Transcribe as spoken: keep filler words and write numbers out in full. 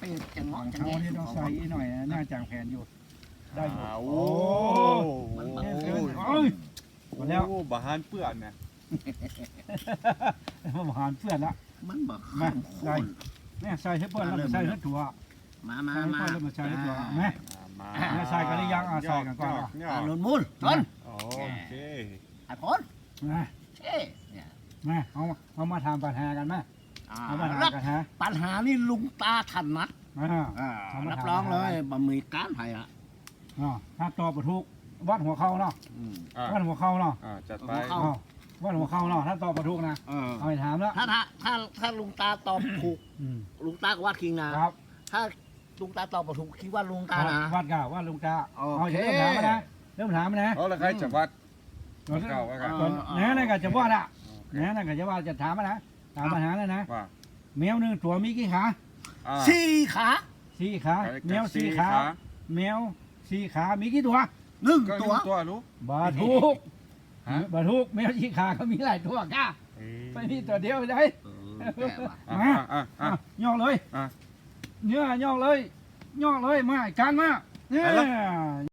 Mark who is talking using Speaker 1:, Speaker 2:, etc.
Speaker 1: ไปจังหวะจัง
Speaker 2: เอา
Speaker 1: แง่
Speaker 2: นี่ต้องใส่อีหน่อยน่าจางแผนอยู่ได้อยู่
Speaker 3: โอ้
Speaker 1: มัน
Speaker 3: โห
Speaker 1: มัน
Speaker 2: โอ้ยหมดแล้ว
Speaker 3: โอ้บาฮานเปื่อนเนี่ย
Speaker 2: มาหารเพื่อนละ
Speaker 1: มันบอก
Speaker 2: มาใส่เนี่ยใส่ให้เพื่อนแล้วมาใส่ให้ถั่ว
Speaker 1: มามา
Speaker 2: ใส่ให้
Speaker 1: มา
Speaker 2: เพื่อนแล้วมาใส่ให้ถั่วแม่
Speaker 3: มา
Speaker 2: เนี่ยใส่กันหรือยังอ่ะใส่กันก่อนอ่ะ
Speaker 3: ย
Speaker 1: อ่า
Speaker 3: อ
Speaker 1: หนุ
Speaker 3: ด
Speaker 1: นมูลทน
Speaker 3: โอเค
Speaker 1: ไอ้พน
Speaker 2: มา
Speaker 1: เช่เนี่ย
Speaker 2: มาเอาเอามาทำปัญหากันไหม
Speaker 1: อ่า
Speaker 2: เอามาทำกันฮะ
Speaker 1: ปัญหานี่ลุงตาทันนะ
Speaker 2: อ่า
Speaker 1: อ่า
Speaker 2: เอามา
Speaker 1: รับ
Speaker 2: ทำ
Speaker 1: รองเลยบะหมี่ก้านไผ่ละ
Speaker 2: อ่าถ้าตอบประทุกวัดหัวเข่าเนาะ
Speaker 1: อืม
Speaker 3: อ่ะ
Speaker 2: วัดหัวเข่าเนาะ
Speaker 3: อ่ะจัดไป
Speaker 1: เอา
Speaker 2: อ้าววัดหัวเข่าเนาะถ้าตอบประทุกนะ
Speaker 1: เออ
Speaker 2: เอาไปถามแล้ว
Speaker 1: ถ้าถ้าถ้าถ้าลุงตาตอบถูก
Speaker 2: อืม
Speaker 1: ลุงตาก็วาดคิงนะ
Speaker 2: ครับ
Speaker 1: ถ้าลุงตาตอบถูกคิดว่าลุงตานะ
Speaker 2: วัดกาวัดลุงกา
Speaker 1: โอ
Speaker 2: เอา
Speaker 1: เค
Speaker 2: เริ่มถามมานะเริ่มถามมานะ
Speaker 3: เอาละใครจะวัด
Speaker 2: ก่อน
Speaker 3: เก่าว่ากัน
Speaker 2: ก่อนแหน่นั่นก็จะว่าละแหน่นั่นก็จะว่าจะถามมานะถามปัญหาแล้วนะ
Speaker 3: ว่า
Speaker 2: แมวหนึ่งตัวมีกี่ขา
Speaker 3: อ่ะ
Speaker 1: สี่ขา
Speaker 2: สี่ขา
Speaker 3: ไปกับ
Speaker 2: แมวสี่ขา แมวสี่ขามีกี่ตัว
Speaker 1: หนึ่ง
Speaker 3: ก็
Speaker 1: ตั
Speaker 3: ตัว วตัวรู้
Speaker 2: บาทุก
Speaker 3: ฮะ
Speaker 2: บาทุกแมวสี่ขาเขามีหลายตัวก้า
Speaker 3: เอ้ย
Speaker 2: ไม่มีตัวเดียวได้
Speaker 1: เออแก่ว่ะ
Speaker 3: อ่ะอ่ะอ่ะ
Speaker 2: อ่ะ
Speaker 3: อ่ะ
Speaker 2: ย่องเลย
Speaker 3: อ่ะ
Speaker 2: เนื้อย่องเลยย่องเลยมาการมาเนี่ย